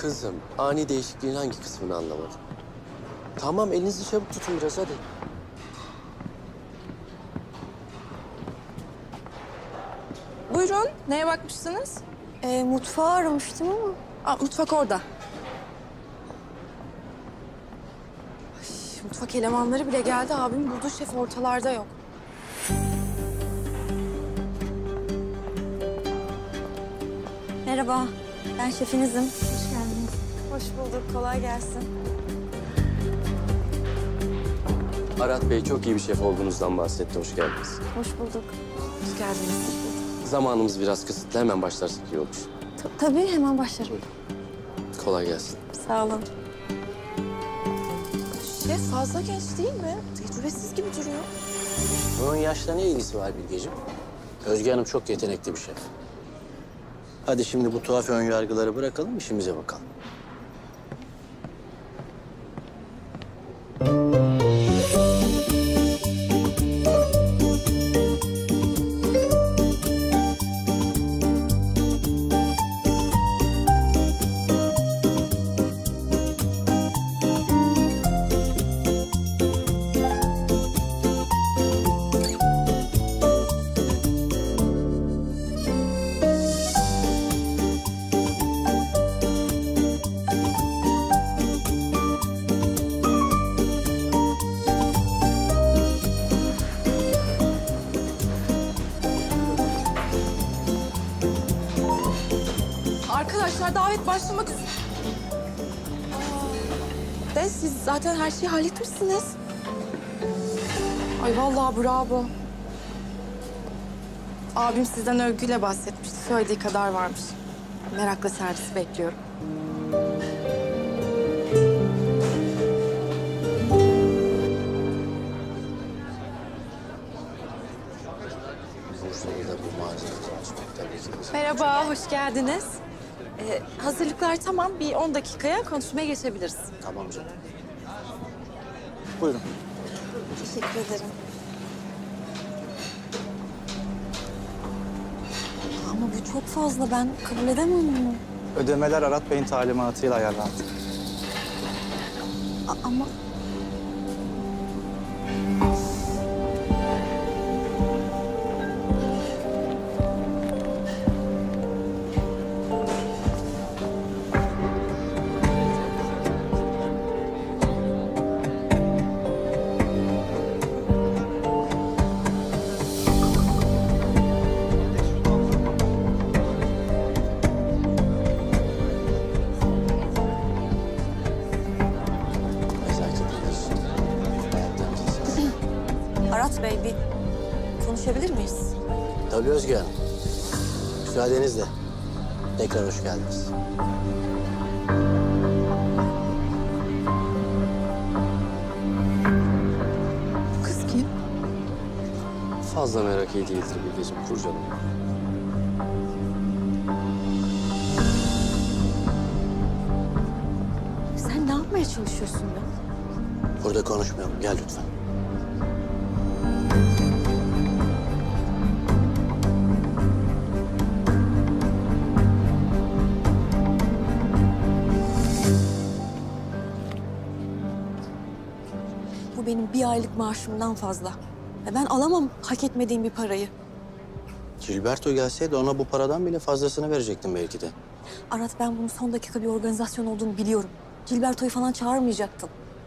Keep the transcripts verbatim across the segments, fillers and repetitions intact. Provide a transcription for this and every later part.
Kızım, ani değişikliğin hangi kısmını anlamadın? Tamam, elinizi çabuk tutun biraz hadi. Buyurun, neye bakmışsınız? E, mutfağı aramıştım ama. Aa, mutfak orada. Ay, mutfak elemanları bile geldi. Abim bulduğu şef ortalarda yok. Merhaba, ben şefinizim. Hoş geldiniz. Hoş bulduk, kolay gelsin. Arat Bey çok iyi bir şef olduğunuzdan bahsetti, hoş geldiniz. Hoş bulduk. Hoş geldiniz. Zamanımız biraz kısıtlı, hemen başlarsak iyi olur. Ta- tabii hemen başlarım. Kolay gelsin. Sağ olun. Şef fazla genç değil mi? Tecrübesiz gibi duruyor. Bunun yaşla ne ilgisi var Bilgeciğim? Özge Hanım çok yetenekli bir şef. Hadi şimdi bu tuhaf önyargıları bırakalım, işimize bakalım. Arkadaşlar davet başlamak üzere. Aa, De siz zaten her şeyi halletmişsiniz. Ay vallahi bravo. Abim sizden övgüyle bahsetmişti. Söylediği kadar varmış. Merakla servisi bekliyorum. Bursa'yı da bu mağazayı açmak tabii ki bizim. Merhaba, hoş geldiniz. Ee, hazırlıklar tamam. Bir on dakikaya konuşmaya geçebiliriz. Tamam canım. Buyurun. Teşekkür ederim. Ama bu çok fazla. Ben kabul edemem bunu. Ödemeler Arat Bey'in talimatıyla ayarlandı. A- ama Nezaket ediyorsun. Hayattan kesin. Arat Bey bir konuşabilir miyiz? Tabii Özge Hanım. Müsaadenizle. Tekrar hoş geldiniz. Bu kız kim? Fazla merak iyi değildir Bilgeciğim, kurcalama. Sen ne yapmaya çalışıyorsun ya? Burada konuşmayalım. Gel lütfen. Bu benim bir aylık maaşımdan fazla. Ve ben alamam hak etmediğim bir parayı. Gilberto gelseydi ona bu paradan bile fazlasını verecektim belki de. Arat, ben bunun son dakika bir organizasyon olduğunu biliyorum. Gilberto'yu falan çağırmayacaktın.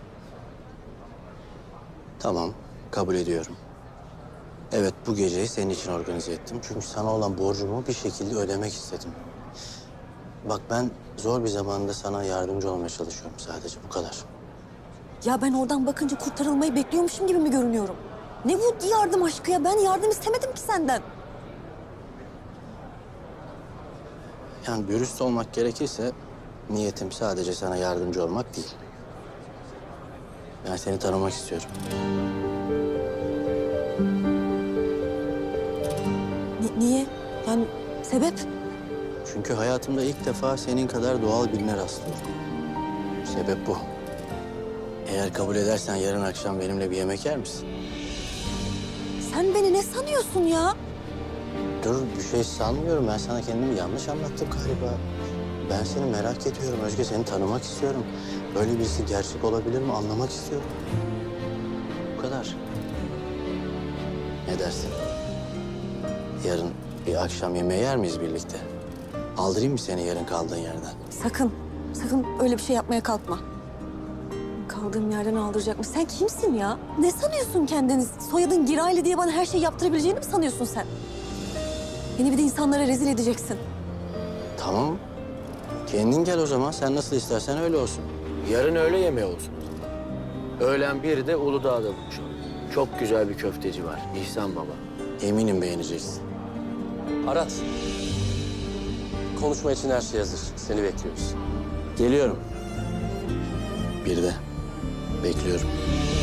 Tamam, kabul ediyorum. Evet, bu geceyi senin için organize ettim. Çünkü sana olan borcumu bir şekilde ödemek istedim. Bak ben zor bir zamanda sana yardımcı olmaya çalışıyorum sadece, bu kadar. Ya ben oradan bakınca kurtarılmayı bekliyormuşum gibi mi görünüyorum? Ne bu yardım aşkı ya? Ben yardım istemedim ki senden. Yani dürüst olmak gerekirse niyetim sadece sana yardımcı olmak değil. Ben seni tanımak istiyorum. Ni- niye? Yani sebep? Çünkü hayatımda ilk defa senin kadar doğal birine rastlıyorum. Sebep bu. Eğer kabul edersen yarın akşam benimle bir yemek yer misin? Sen beni ne sanıyorsun ya? Dur, bir şey sanmıyorum. Ben sana kendimi yanlış anlattım galiba. Ben seni merak ediyorum Özge, seni tanımak istiyorum. Böyle birisi gerçek olabilir mi anlamak istiyorum. Bu kadar. Ne dersin? Yarın bir akşam yemeği yer miyiz birlikte? Aldırayım mı seni yarın kaldığın yerden? Sakın, sakın öyle bir şey yapmaya kalkma. Kaldığım yerden aldıracak mı? Sen kimsin ya? Ne sanıyorsun kendini? Soyadın Giraylı diye bana her şeyi yaptırabileceğini mi sanıyorsun sen? Beni bir de insanlara rezil edeceksin. Tamam. Kendin gel o zaman. Sen nasıl istersen öyle olsun. Yarın öğle yemeği olsun. Öğlen bir de Uludağ'da buluşalım. Çok güzel bir köfteci var. İhsan Baba. Eminim beğeneceksin. Arat. Konuşma için her şey hazır. Seni bekliyoruz. Geliyorum. Bir de bekliyorum.